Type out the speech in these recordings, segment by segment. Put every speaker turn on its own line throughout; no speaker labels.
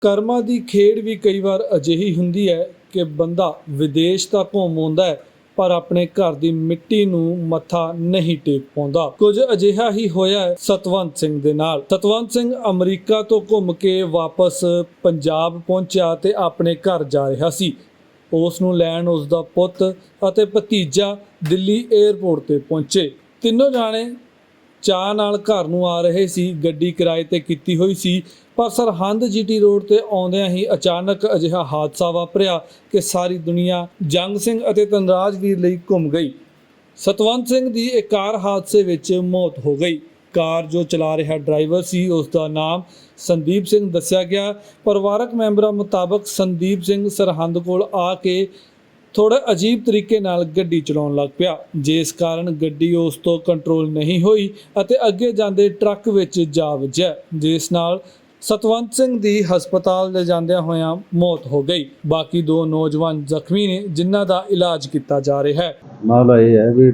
ਕਰਮਾਂ ਦੀ ਖੇਡ ਵੀ ਕਈ ਵਾਰ ਅਜਿਹੀ ਹੁੰਦੀ ਹੈ ਕਿ ਬੰਦਾ ਵਿਦੇਸ਼ ਤਾਂ ਘੁੰਮ ਆਉਂਦਾ ਹੈ ਪਰ ਆਪਣੇ ਘਰ ਦੀ ਮਿੱਟੀ ਨੂੰ ਮੱਥਾ ਨਹੀਂ ਟੇਕ ਪਾਉਂਦਾ। ਕੁਝ ਅਜਿਹਾ ਹੀ ਹੋਇਆ ਹੈ ਸਤਵੰਤ ਸਿੰਘ ਦੇ ਨਾਲ। ਸਤਵੰਤ ਸਿੰਘ ਅਮਰੀਕਾ ਤੋਂ ਘੁੰਮ ਕੇ ਵਾਪਸ ਪੰਜਾਬ ਪਹੁੰਚਿਆ ਤੇ ਆਪਣੇ ਘਰ ਜਾ ਰਿਹਾ ਸੀ। ਉਸ ਨੂੰ ਲੈਣ ਉਸ ਦਾ ਪੁੱਤ ਅਤੇ ਭਤੀਜਾ ਦਿੱਲੀ 에ਅਰਪੋਰਟ ਤੇ ਪਹੁੰਚੇ। ਤਿੰਨੋਂ ਜਾਣੇ ਚਾਅ ਨਾਲ ਘਰ ਨੂੰ ਆ ਰਹੇ ਸੀ। ਗੱਡੀ ਕਿਰਾਏ ਤੇ ਕੀਤੀ ਹੋਈ ਸੀ ਪਰ ਸਰਹੰਦ ਜੀਟੀ ਰੋਡ ਤੇ ਆਉਂਦਿਆਂ ਹੀ ਅਚਾਨਕ ਅਜਿਹਾ ਹਾਦਸਾ ਵਾਪਰਿਆ ਕਿ ਸਾਰੀ ਦੁਨੀਆ ਜੰਗ ਸਿੰਘ ਅਤੇ ਧਨਰਾਜਵੀਰ ਲਈ ਘੁੰਮ ਗਈ। ਸਤਵੰਤ ਸਿੰਘ ਦੀ ਇੱਕ ਕਾਰ ਹਾਦਸੇ ਵਿੱਚ ਮੌਤ ਹੋ ਗਈ। ਕਾਰ ਜੋ ਚਲਾ ਰਿਹਾ ਡਰਾਈਵਰ ਸੀ ਉਸ ਦਾ ਨਾਮ ਸੰਦੀਪ ਸਿੰਘ ਦੱਸਿਆ ਗਿਆ। ਪਰਿਵਾਰਕ ਮੈਂਬਰਾਂ ਮੁਤਾਬਕ ਸੰਦੀਪ ਸਿੰਘ ਸਰਹੰਦ ਕੋਲ ਆ ਕੇ ਥੋੜਾ ਅਜੀਬ ਤਰੀਕੇ ਨਾਲ ਗੱਡੀ ਚਲਾਉਣ ਲੱਗ ਪਿਆ, ਜਿਸ ਕਾਰਨ ਗੱਡੀ ਉਸ ਤੋਂ ਕੰਟਰੋਲ ਨਹੀਂ ਹੋਈ ਅਤੇ ਅੱਗੇ ਜਾਂਦੇ ਟਰੱਕ ਵਿੱਚ ਜਾ ਵੱਜਿਆ, ਜਿਸ ਨਾਲ ਸਤਵੰਤ ਸਿੰਘ ਦੀ ਹਸਪਤਾਲ ਲੈ ਜਾਂਦਿਆਂ ਹੋਇਆਂ ਮੌਤ ਹੋ ਗਈ। ਬਾਕੀ ਦੋ ਨੌਜਵਾਨ ਜ਼ਖਮੀ ਨੇ ਜਿਨ੍ਹਾਂ ਦਾ ਇਲਾਜ ਕੀਤਾ ਜਾ ਰਿਹਾ ਹੈ।
ਮਾਮਲਾ ਇਹ ਹੈ ਵੀ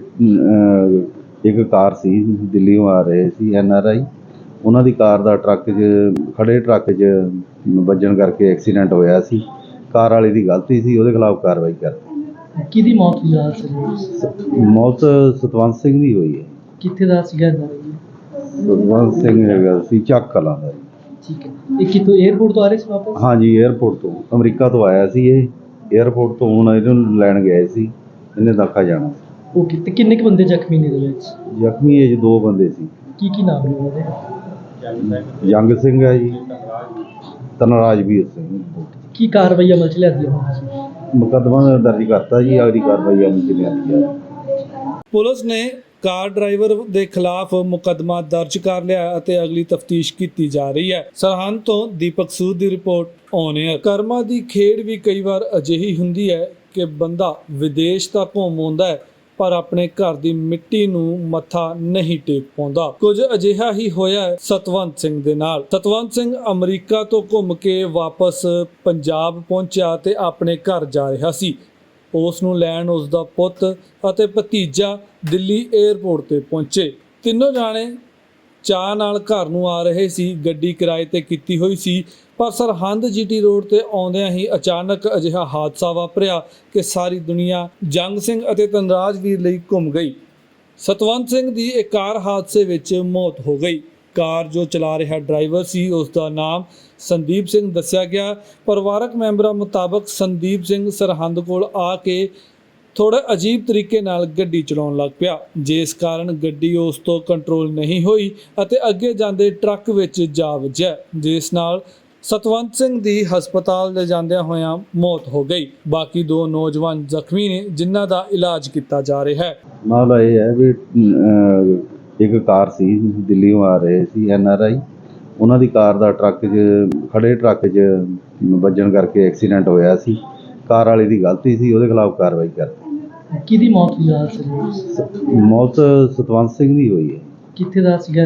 ਇੱਕ ਕਾਰ ਸੀ, ਦਿੱਲੀੋਂ ਆ ਰਹੇ ਸੀ NRI। ਉਹਨਾਂ ਦੀ ਕਾਰ ਦਾ ਖੜੇ ਟਰੱਕ 'ਚ ਵੱਜਣ ਕਰਕੇ ਐਕਸੀਡੈਂਟ ਹੋਇਆ ਸੀ। ਕਾਰ ਵਾਲੇ ਦੀ ਗਲਤੀ ਸੀ, ਉਹਦੇ ਖਿਲਾਫ ਕਾਰਵਾਈ ਕਰਤੀ।
ਕਿਹਦੀ ਮੌਤ ਹੋਈ ਸੀ?
ਮੌਤ ਸਤਵੰਤ ਸਿੰਘ ਦੀ ਹੋਈ ਹੈ।
ਕਿੱਥੇ ਦਾ ਸੀਗਾ?
ਸਤਵੰਤ ਸਿੰਘ ਹੈਗਾ ਸੀ ਚੱਕ ਕਲਾਂ ਦਾ।
ਠੀਕ ਹੈ। ਇਹ ਕਿਤੋਂ 에ਅਰਪੋਰਟ ਤੋਂ ਆ ਰਹੇ ਸੀ ਵਾਪਸ?
ਹਾਂਜੀ, 에ਅਰਪੋਰਟ ਤੋਂ, ਅਮਰੀਕਾ ਤੋਂ ਆਇਆ ਸੀ ਇਹ। 에ਅਰਪੋਰਟ ਤੋਂ ਹੁਣ ਇਹਨੂੰ ਲੈਣ ਗਏ ਸੀ, ਇਹਨੇ ਦਾਖਾ ਜਾਣਾ ਸੀ।
ਓਕੇ। ਤੇ ਕਿੰਨੇ ਕੁ ਬੰਦੇ ਜ਼ਖਮੀ ਨੇ ਇਹਦੇ ਵਿੱਚ?
ਜ਼ਖਮੀ ਇਹ 'ਚ ਦੋ ਬੰਦੇ ਸੀ।
ਕੀ ਨਾਮ ਨੇ ਉਹਦੇ?
ਜੰਗ ਸਿੰਘ ਹੈ ਜੀ, ਧਨਰਾਜਵੀਰ ਸਿੰਘ।
ਕੀ ਕਾਰਵਾਈ ਅਮਲ 'ਚ ਲਿਆਂਦੀ ਹੈ?
ਮੁਕੱਦਮਾ ਦਰਜ ਕਰਤਾ ਜੀ, ਅਗਲੀ ਕਾਰਵਾਈ ਅਮਲ 'ਚ ਲਿਆਂਦੀ ਹੈ।
ਪੁਲਿਸ ਨੇ ਕਾਰ ਡਰਾਈਵਰ ਦੇ ਖਿਲਾਫ ਮੁਕੱਦਮਾ ਦਰਜ ਕਰ ਲਿਆ ਅਤੇ ਅਗਲੀ ਤਫਤੀਸ਼ ਕੀਤੀ ਜਾ ਰਹੀ ਹੈ। ਸਰਹੰਦ ਤੋਂ ਦੀਪਕ ਸੂਦ ਦੀ ਰਿਪੋਰਟ ਔਨ 에ਅਰ। ਕਰਮਾਂ ਦੀ ਖੇਡ ਵੀ ਕਈ ਵਾਰ ਅਜਿਹੀ ਹੁੰਦੀ ਹੈ ਕਿ ਬੰਦਾ ਵਿਦੇਸ਼ ਤਾਂ ਘੁੰਮ ਆਉਂਦਾ ਹੈ ਪਰ ਆਪਣੇ ਘਰ ਦੀ ਮਿੱਟੀ ਨੂੰ ਮੱਥਾ ਨਹੀਂ ਟੇਕ ਪਾਉਂਦਾ। ਕੁਝ ਅਜਿਹਾ ਹੀ ਹੋਇਆ ਹੈ ਸਤਵੰਤ ਸਿੰਘ ਦੇ ਨਾਲ। ਸਤਵੰਤ ਸਿੰਘ ਅਮਰੀਕਾ ਤੋਂ ਘੁੰਮ ਕੇ ਵਾਪਸ ਪੰਜਾਬ ਪਹੁੰਚਿਆ ਤੇ ਆਪਣੇ ਘਰ ਜਾ ਰਿਹਾ ਸੀ। ਉਸ ਨੂੰ ਲੈਣ ਉਸ ਦਾ ਪੁੱਤ ਅਤੇ ਭਤੀਜਾ ਦਿੱਲੀ 에ਅਰਪੋਰਟ ਤੇ ਪਹੁੰਚੇ। ਤਿੰਨੋਂ ਜਾਣੇ ਚਾਅ ਨਾਲ ਘਰ ਨੂੰ ਆ ਰਹੇ ਸੀ। ਗੱਡੀ ਕਿਰਾਏ ਤੇ ਕੀਤੀ ਹੋਈ ਸੀ ਪਰ ਸਰਹੰਦ ਜੀਟੀ ਰੋਡ ਤੇ ਆਉਂਦਿਆਂ ਹੀ ਅਚਾਨਕ ਅਜਿਹਾ ਹਾਦਸਾ ਵਾਪਰਿਆ ਕਿ ਸਾਰੀ ਦੁਨੀਆ ਜੰਗ ਸਿੰਘ ਅਤੇ ਧਨਰਾਜਵੀਰ ਲਈ ਘੁੰਮ ਗਈ। ਸਤਵੰਤ ਸਿੰਘ ਦੀ ਇੱਕ ਕਾਰ ਹਾਦਸੇ ਵਿੱਚ ਮੌਤ ਹੋ ਗਈ। ਕਾਰ ਜੋ ਚਲਾ ਰਿਹਾ ਡਰਾਈਵਰ ਸੀ ਉਸ ਦਾ ਨਾਮ ਸੰਦੀਪ ਸਿੰਘ ਦੱਸਿਆ ਗਿਆ। ਪਰਿਵਾਰਕ ਮੈਂਬਰਾਂ ਮੁਤਾਬਕ ਸੰਦੀਪ ਸਿੰਘ ਸਰਹੰਦ ਕੋਲ ਆ ਕੇ ਥੋੜਾ ਅਜੀਬ ਤਰੀਕੇ ਨਾਲ ਗੱਡੀ ਚਲਾਉਣ ਲੱਗ ਪਿਆ, ਜਿਸ ਕਾਰਨ ਗੱਡੀ ਉਸ ਤੋਂ ਕੰਟਰੋਲ ਨਹੀਂ ਹੋਈ ਅਤੇ ਅੱਗੇ ਜਾਂਦੇ ਟਰੱਕ ਵਿੱਚ ਜਾ ਵੱਜਿਆ, ਜਿਸ ਨਾਲ ਸਤਵੰਤ ਸਿੰਘ ਦੀ ਹਸਪਤਾਲ ਲੈ ਜਾਂਦਿਆਂ ਹੋਇਆਂ ਮੌਤ ਹੋ ਗਈ। ਬਾਕੀ ਦੋ ਨੌਜਵਾਨ ਜ਼ਖਮੀ ਨੇ ਜਿਨ੍ਹਾਂ ਦਾ ਇਲਾਜ ਕੀਤਾ ਜਾ ਰਿਹਾ ਹੈ।
ਮਾਮਲਾ ਇਹ ਹੈ ਵੀ ਇੱਕ ਕਾਰ ਸੀ, ਦਿੱਲੀੋਂ ਆ ਰਹੇ ਸੀ NRI। ਉਹਨਾਂ ਦੀ ਕਾਰ ਦਾ ਖੜੇ ਟਰੱਕ 'ਚ ਵੱਜਣ ਕਰਕੇ ਐਕਸੀਡੈਂਟ ਹੋਇਆ ਸੀ। ਕਾਰ ਵਾਲੇ ਦੀ ਗਲਤੀ ਸੀ, ਉਹਦੇ ਖਿਲਾਫ ਕਾਰਵਾਈ ਕਰਤੀ।
ਕਿਹਦੀ ਮੌਤ ਹੋਈ ਸੀ?
ਮੌਤ ਸਤਵੰਤ ਸਿੰਘ ਦੀ ਹੋਈ ਹੈ।
ਕਿੱਥੇ ਦਾ ਸੀਗਾ?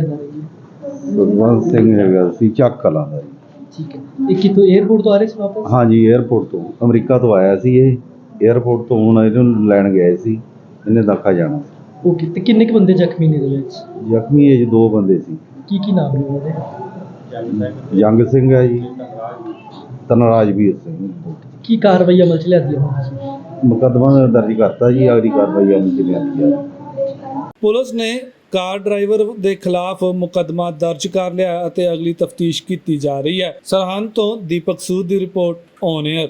ਸਤਵੰਤ ਸਿੰਘ ਹੈਗਾ ਸੀ ਚੱਕ ਕਲਾਂ ਦਾ।
ਠੀਕ ਹੈ। ਇਹ ਕਿਤੋਂ 에ਅਰਪੋਰਟ ਤੋਂ ਆ ਰਹੇ ਸੀ ਵਾਪਸ?
ਹਾਂਜੀ, 에ਅਰਪੋਰਟ ਤੋਂ, ਅਮਰੀਕਾ ਤੋਂ ਆਇਆ ਸੀ ਇਹ। 에ਅਰਪੋਰਟ ਤੋਂ ਹੁਣ ਇਹਨੂੰ ਲੈਣ ਗਏ ਸੀ, ਇਹਨੇ ਦਾਖਾ ਜਾਣਾ ਸੀ।
ਓਕੇ। ਤੇ ਕਿੰਨੇ ਕੁ ਬੰਦੇ ਜ਼ਖਮੀ ਨੇ ਇਹਦੇ ਵਿੱਚ?
ਜ਼ਖਮੀ ਇਹ 'ਚ ਦੋ ਬੰਦੇ ਸੀ।
ਕੀ ਨਾਮ ਨੇ ਉਹਦੇ?
ਜੰਗ ਸਿੰਘ ਹੈ ਜੀ, ਧਨਰਾਜਵੀਰ ਸਿੰਘ।
ਕੀ ਕਾਰਵਾਈ ਅਮਲ 'ਚ ਲਿਆਂਦੀ ਹੈ?
ਮੁਕੱਦਮਾ ਦਰਜ ਕਰਤਾ ਜੀ, ਅਗਲੀ ਕਾਰਵਾਈ ਅਮਲ 'ਚ ਲਿਆਂਦੀ ਹੈ।
ਪੁਲਿਸ ਨੇ ਕਾਰ ਡਰਾਈਵਰ ਦੇ ਖਿਲਾਫ ਮੁਕੱਦਮਾ ਦਰਜ ਕਰ ਲਿਆ ਅਤੇ ਅਗਲੀ ਤਫਤੀਸ਼ ਕੀਤੀ ਜਾ ਰਹੀ ਹੈ। ਸਰਹੰਦ ਤੋਂ ਦੀਪਕ ਸੂਦ ਦੀ ਰਿਪੋਰਟ ਔਨ 에ਅਰ।